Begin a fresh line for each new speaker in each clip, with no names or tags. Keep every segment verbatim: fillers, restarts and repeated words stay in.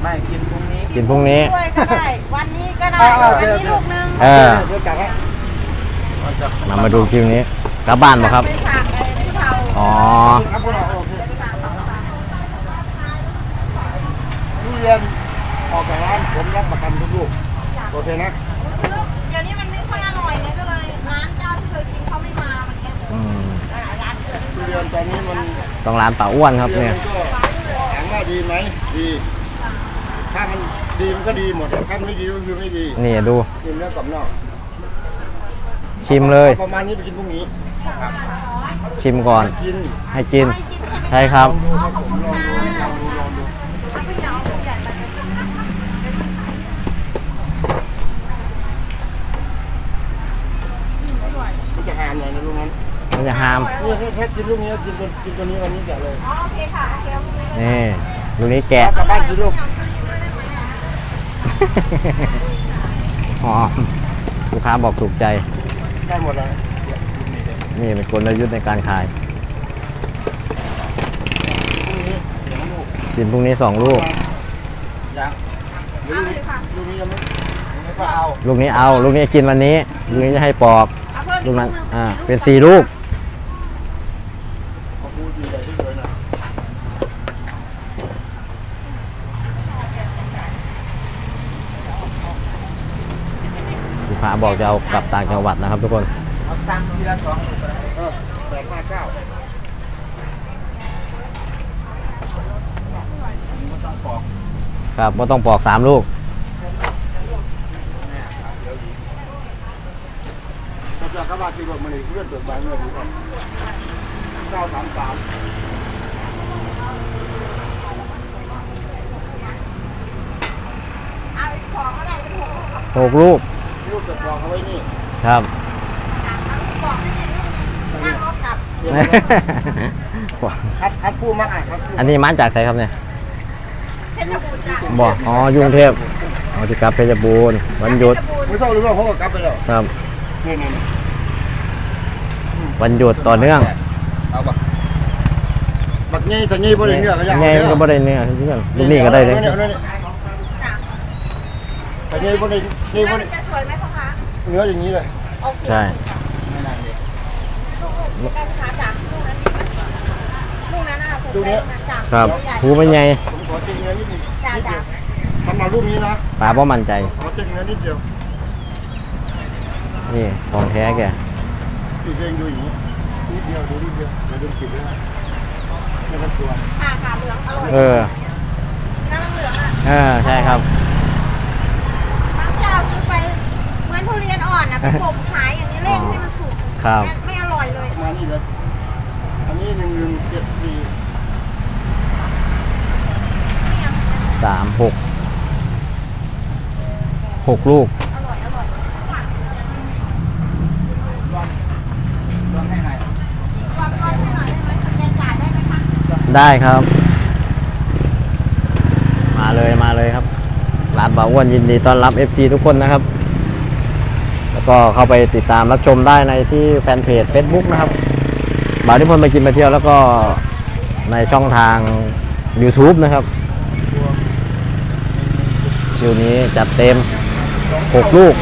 ไม่กินพรุ่งนี้
กินพรุ่งนี้
ด้วยก็ได้วันนี้ก็ได้วันนี้ลูกนึง
เออมามาดูคลิปนี้กลับบ้านป่ะครับอ๋อ
ทุเรียนออกจากร้านผมรับประกันทุกลูกโอเคนะ
เดี๋ยวนี้มันไม่ค่อยอร่อยไงก็เลยร้านเจ้าที่เคยกินเขาไม่มาวันนี้ร้านเกิด
ทุเรียนตอนนี้มัน
ต้องร้านป่าอ้วนครับเนี่ย
ถามว่าดีไหมดีถ้ามันดีมันก็ดีหมดถ้าไม่ดีก็คือไม่ดี
นี่ดู
กินเนื้อกรอบนอก
ชิมเลย
ประมาณนี้ไปกินพรุ่งนี้
ชิมก่อนให้กินใช่ครับ
จะหามหน่อยนะลูกนั้น
มันจะหาม
นี่แค่กินลูกนี้กินตัวกินตัวนี้วันนี้แกะเลย
อ๋อโอเคค่ะโอเค
นี่ลูกนี้แกะ
กลับบ้านกินลูก
หอมลูกค้าบอกถูกใจ
ได้หมดแล้ว
นี่เป็นกลยุทธ์ในการขายกินพรุ่งนี้สองลูก
ยังลูกนี้ยังไม่ไม่เอา
ลูกนี้เอาลูกนี้กินวันนี้ลูกนี้จะให้ปอกลูกนั้นอ่าเป็นสี่ลูกลูกค้าบอกจะเอากลับต่างจังหวัดนะครับทุกคน
เอาตังค์ทีละสองเออแปดห้าเก้า
ครับไม่ต้องปอกสามลูก
ถ้าจะกระบะที่รถมันเลื่อนตัวบางเงื่อนดีกว่าเก้าสามสาม
หกลูก
ลูกจะปอกเอาไว้นี่
ครับ
คัดคัดผู้มาอ่ะครับ
อันนี้มาจากไหนครับเนี่ย
เพชรบูรณ์จ้ะ
บอกอ๋อกรุงเทพอ๋อที่กลับเพชรบูรณ์วันหยุด
ไม่ต้องรู้ว่าเขากลับไปแล้ว
ครับ
นี่นี่
วันหยุดต่อเนื่อง
เอาบักบักงี้แต่งี้บ่ได้เนื้อก็ยัง
งี้ก็บ่ได้เนื้อเพื่อนลูกนี่ก็ได้เลย
แต่งี้บ่ได้นี่บ่ได้
จะสวยไหมพ่อคะ
เนื้ออย่างนี้เลย
ใช่
ไม่นานเลย
ลูกการค้าจากลูกนั้นดีไหมลูกนั้นน่ะสวยจาก
ครับหูเป็นไง
ผมขอเจ็งเนื้อนิดนึงนิดเดียวทำมาลูกนี้นะ
ป้าเพราะมั่นใจ
ขอเจ็งเนื้อนิดเดียว
นี่ของแท้แก
ติดเองดูอย่างนี้นิดเดียวดูนิดเดียวเดี๋ยวดูติดเลยไม่ต้องกลัว
ขาขาเหลืองอร่อย
เออ
เนื้อเหลืองอ่ะ
เออใช่ครับ
บางเจ้าซื้อไปเหมือนทุเรียนอ่อนนะไปบ่มขายอย่างนี้เร่งให้มันสุกไม่อร่อยเลย
มานี่เลยอันนี้หนึ่งหนึ่งเจ็ดสี่
สามหกหกลูกได้ครับมาเลยมาเลยครับร้านบ่าวอ้วนยินดีต้อนรับ เอฟ ซี ทุกคนนะครับแล้วก็เข้าไปติดตามรับชมได้ในที่แฟนเพจ Facebook นะครับบ่าวนิพนธ์มากินมาเที่ยวแล้วก็ในช่องทาง YouTube นะครับคิวนี้จัดเต็มหกลูก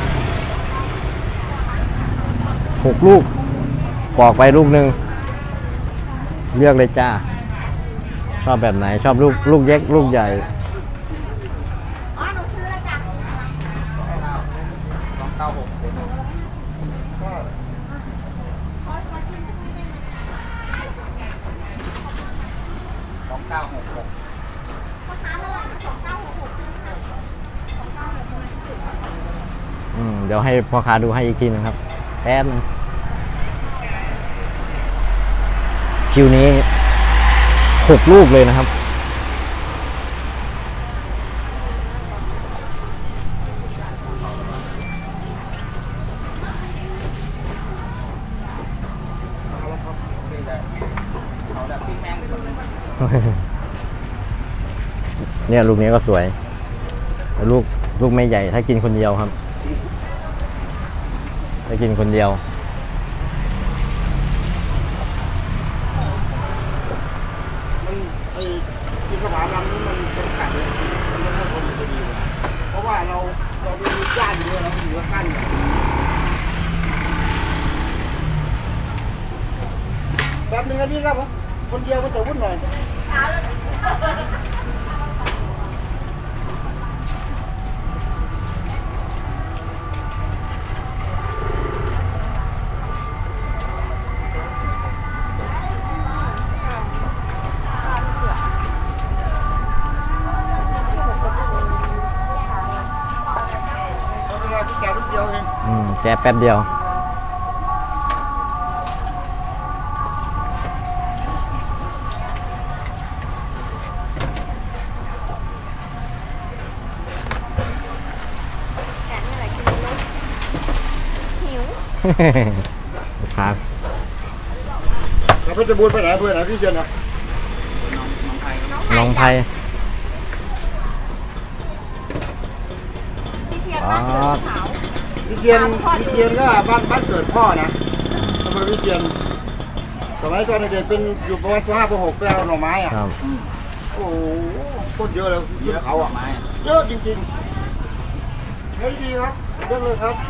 หกลูกปอกไปลูกหนึ่งเลือกเลยจ้าชอบแบบไหนชอบลูกลูกเล็กลูกใหญ่
อ๋อหนูซื้อแล้วจ้ะ
สองเก้าหกสองเก้าหกหก
อืมเดี๋ยวให้พ่อค้าดูให้อีกทีนึงครับแป๊บนึงคิวนี้หกลูกเลยนะครับเนี่ยลูกนี้ก็สวยลูกลูกไม่ใหญ่ถ้ากินคนเดียวครับถ้ากินคนเดียว
มันไอ้ที่กระถางนี้มันเป็นขัดเลยกันนี่ครับผมคนเดียวมันจะวุ่นหน่อยเอาเวลาพี่แกลูกเดียวเอง
อืมแกะแป๊บเดียว
แกะนี่แหละกินแล้วหิว
ครับ
แล้วเพชรบูรณ์ไปไหนเพื่อนไหนพี่เชียนนะ
น้องไทย
พี่เชียนบ้านเกิดเขา
พี่เชียนพี่เชียนก็บ้านบ้านเกิดพ่อนะทำไมพี่เชียนสมัยตอนเด็กๆเป็นอยู่ประมาณป .ห้า ป .หก ไปเอาหน่อไม้อ่ะ
ครับ
โอ้โหโคตรเยอะเลยเยอะเขาอ่ะเยอะจริงๆเฮ้ยดีครับเยอะเลยครับ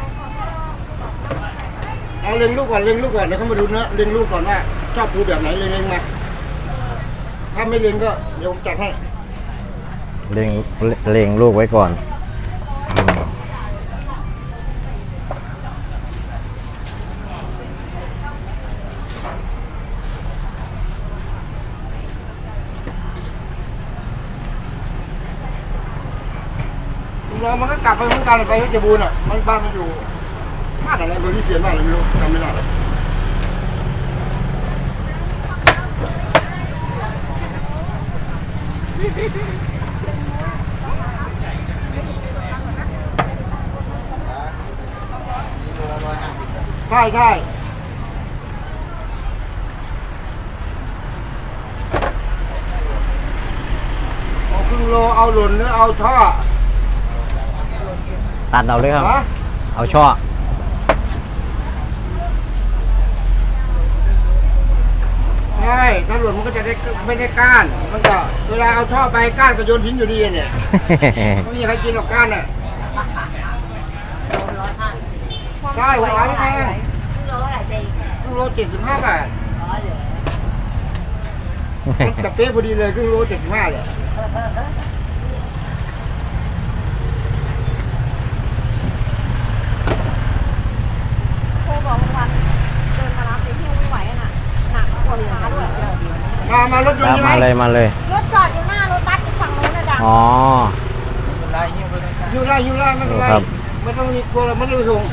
เอาเล็งลูกก่อนเล็งลูกก่อนเดี๋ยวเขามาดูเนื้อเล็งลูกก่อนว่าชอบปูแบบไหนเล็งๆมาถ้าไม่เล็งก็เดี๋ยวผมจัดให้
เล็งเล็งลูกไว้ก่อนอืม
ลุงน้องมันก็กลับไปเหมือนกันไปเพชรบูรณ์อ่ะมันบ้านมันอยู่บ้านอะไรเบอร์ที่เขียนบ้านอะไรไม่รู้จำไม่ได้ใช่ใช่เอาครึ่งโลเอาหล่นหรือเอาท่อ
ตัดเอาเลยครับ
ฮะ
เอาช่อ
ใช่ถ้าหล่นมันก็จะได้ไม่ได้ก้าน มันก็เวลาเอาท่อไปก้านก็โยนทิ้งอยู่ดีเนี่ยไม่มีใครกินหรอกก้านน่ะใช่หัวร้อยแพง
โลอะไรดี
ครึ่งโลเจ็ดสิบห้าบาทมันแบบเป๊ะพอดีเลยครึ่งโลเจ็ดสิบห้าเลย
โทรบอกวันเดินมารับไปที่ไม่ไหวน่ะหนักปวดขาด้วย
มามารถยนต์ใช่ไหม
มาเลยมาเลย
รถจอดอยู่หน้ารถบัสอยู่ฝั่งนู้นนะจ๊ะ
อ๋อ
ยูไล่ยูไล่ไม่เป็นไร
ครับ
ไม่ต้องมีกลัวเราไม่ได้ไปส่ง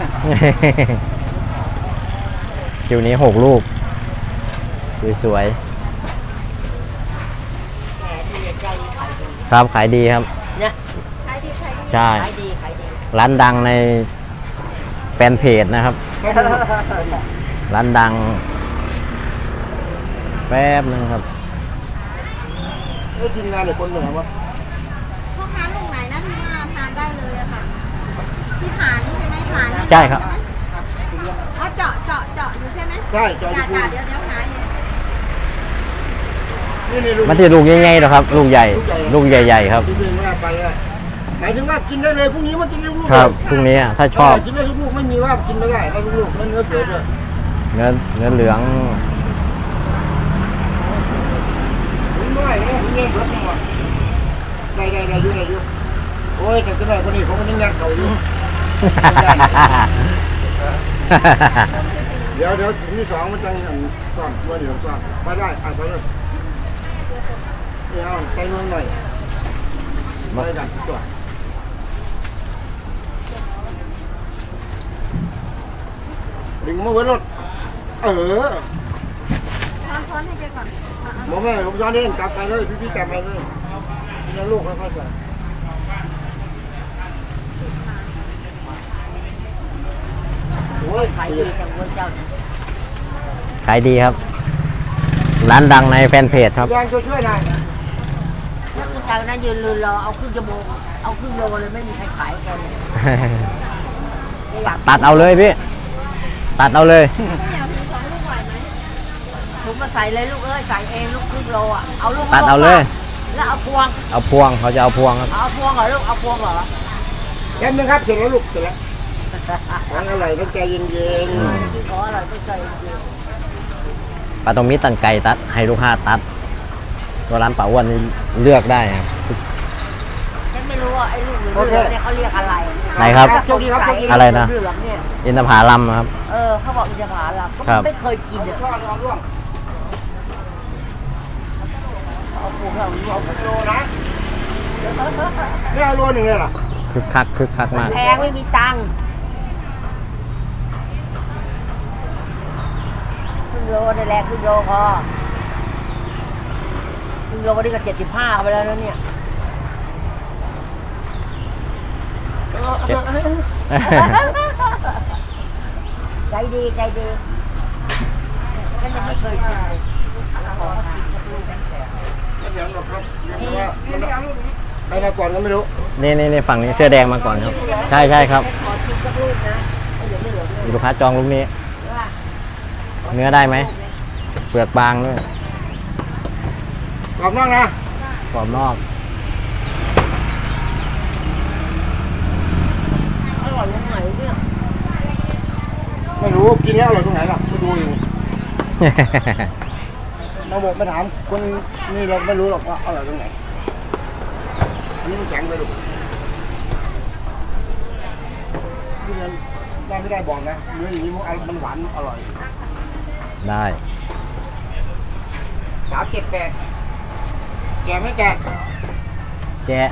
คิวนี้หกลูก สวยๆครับขายดีครับ
เนี่ย
ขายดีขายดี
ใช่
ขายดีขายดี
ร้านดังในแฟนเพจนะครับ ร้านดัง แป๊บนึงครับ
ไอ้ทีมงานเด็กคนเหนือวะ
พ่อค้าลุงไหนนะที่มาทานได้เลยอะค่ะ ที่ผานี่ใช่ไหมผานี่
ใช่ครับ
อ๋อเจาะเจาะเจาะอยู่ใช่ไหม
ใช่จอ
จ่า
ยู
จ่าเดี๋ยวเดี๋ยวหาอยู่
นี่นี่ลูก
มันจะลูกใหญ่ๆหรอครับ ลูกใหญ่ ลูกใหญ่ๆครับ
ที่เดินว่าไปอะหมายถึงว่ากินได้เลยพรุ่งนี้มันกินได้ลูก
ครับพรุ่งนี้อะถ้าชอบ
กินได้ทุกลูกไม่มีว่ากินไม่ได้ได้ทุกลูกแล้วเนื้อเสือด้วย
เนื้อเนื้อเหลือง
ผมไม่ได้ผมเงี้ยรถจังหวะได้ได้ได้อยู่ได้อยู่โอ้ยแต่ก็ได้คนนี้ผมก็ยังยัดเขาอยู่ เดี๋ยวเดี๋ยวที่สองมันจะซ่อนตัวเดี๋ยวซ่อนไปได้อ่ะไปเลยเดี๋ยวไปเมืองหน่อยไปกันตัวดึงมาไว้รถเออ
ช้อนช้อนให้แกก่อนอ่ะ
หมอแม่ผมย้อนเองกลับไปเลยพี่พี่กลับไปเลยนี่ลูกค่อยๆไปโอ้ย
ขายดีจังเว้ยเจ้าเนี่ย
ขายดีครับ ร้านดังในแฟนเพจครับ
ยางช่วยช่วยหน่อย
แล้วผู้ชายคนนั้นยืนลืนรอเอาครึ่งชั่วโมงเอาครึ่งโลเลยไม่มีใครขายแกเลย
ตัดเอาเลยพี่ ตัดเอาเลย
ๆก็อยากถึงสองลูกไหวไหม
ทุกมาใส่เลยลูกเอ้ยใส่เองลูกครึ่งโลอ่ะเอาลูก
ตัดเอาเลย
แล้วเอาพวง
เอาพวงเขาจะเอาพวงครับ
เอาพวงเหรอลูกเอาพวงเหรอ
แป๊บนึงครับเสร็จแล้วลูกเสร็จแล้วของอร่อยต้องใจเย็น
ที่ขออร่อยต้องใจจริง
ๆ
ปลาตรงมีตันไก่ตัดให้ลูกค้าตัดตัวร้านป่าอ้วนนี่เลือกได้ครับ
ฉันไม่รู้ว่าไอ้ลูกเหลืองๆเนี่ยเขาเรียกอะไร
ไหนครับ
โชคดีครับโชคดี
อะไรนะ
เหลืองๆเนี่ย
อินทผลัมครับ
เออเขาบอกอินทผลัมก็
ครับ
ไม่เคยกินอ่ะ
ร่วงร่วงร่วง
เอาปูเขาเอา
โลนะไม่เอาโลหนึ่งเลยเหรอ
คึกคักคึกคักมาก
แพงไม่มีตังค์ครึ่งโลนี่แหละครึ่งโลพอครึ่งโลนี่ก็เจ็ดสิบห้าไปแล้วนะเนี่ย ใจดีใจดีฉันยังไม่เคยกินเลยขอชิมสักลูกแข็ง
ไม่เดี๋ยวหรอกครับเพราะว่ามันใครมาก่อนก็ไม่รู้
นี่นี่นี่ฝั่งนี้เสื้อแดงมาก่อนครับ ใช่ใช่ครับ
ขอชิมสักลูกนะไม่เหลือไม่เหลือเลย
มีลูกค้าจองลูกนี้
ว่า
เนื้อได้ไหมเปลือกบางด้วย
กรอบนอกนะ
กรอบนอก
อร่อยยังไงเนี่ย
ไม่รู้กินแล้วอร่อยตรงไหนล่ะไม่ดูอยู่มาบอกมาถามคนนี่เราไม่รู้หรอกว่าอร่อยตรงไหนอันนี้มันแข็งไปลูกที่นั้นได้ไม่ได้บอกนะเนื้ออย่างนี้มันหวานอร่อย
ได้
สามเจ็ดแปดแกไม่แก
แกะ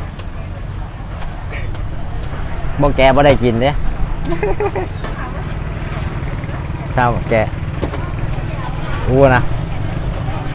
บ่แกะบ่ได้กินเด้ เช้าแกะอู้นะ